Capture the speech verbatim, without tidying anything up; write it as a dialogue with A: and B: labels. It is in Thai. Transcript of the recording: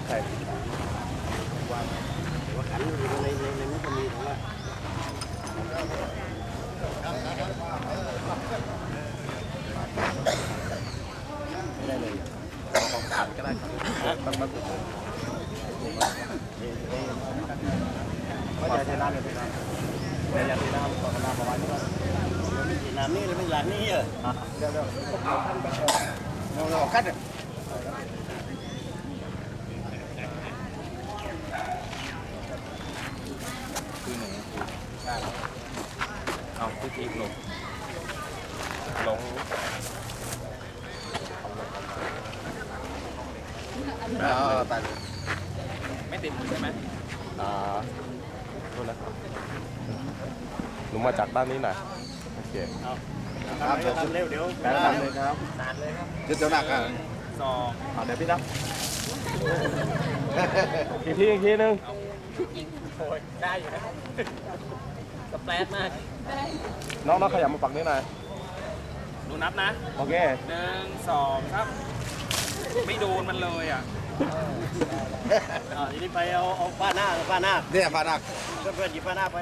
A: ใช่
B: วางว่าขันอยู่ในในในนั้นก็มีแต่ว่าไม่ได้เลยของขันก็ได้ครับต้องมาถูกว่าจะน้ำเลยพี่น้ำแต่ยังมีน้ำต่อน้ำประมาณนี้ว่าน้ำนี่หรือไม่หลังนี่เหรอเดี๋ยวเดี๋ยวเราเราคัดเลยคือหนูเอาพี่พีลงลงอ๋อตัดไม่ติดใช่ไหมอ่าโทษนะครับหนูมาจากด้านนี้หน่อยโอเคเอาครับเดี๋ยวทำเร็วเดี๋ยวทำเลยครับนานเลยครับเดี๋ยวหนักอ่ะสองเอาเดี๋ยวพี่นับอีกทีอีกทีนึงโอ้ยได้อยู่นะสเปรดมากน้องน้องขยับมาปักนี้หน่อยดูนับนะโอเคหนึ่งสองครับไม่โดนมันเลยอ่ะอ่าทีนี้ไปเอาเอาผ้าหน้าผ้าหน้าเนี่ยผ้าหน้าเพื่อนๆหยิบผ้าหน้าไป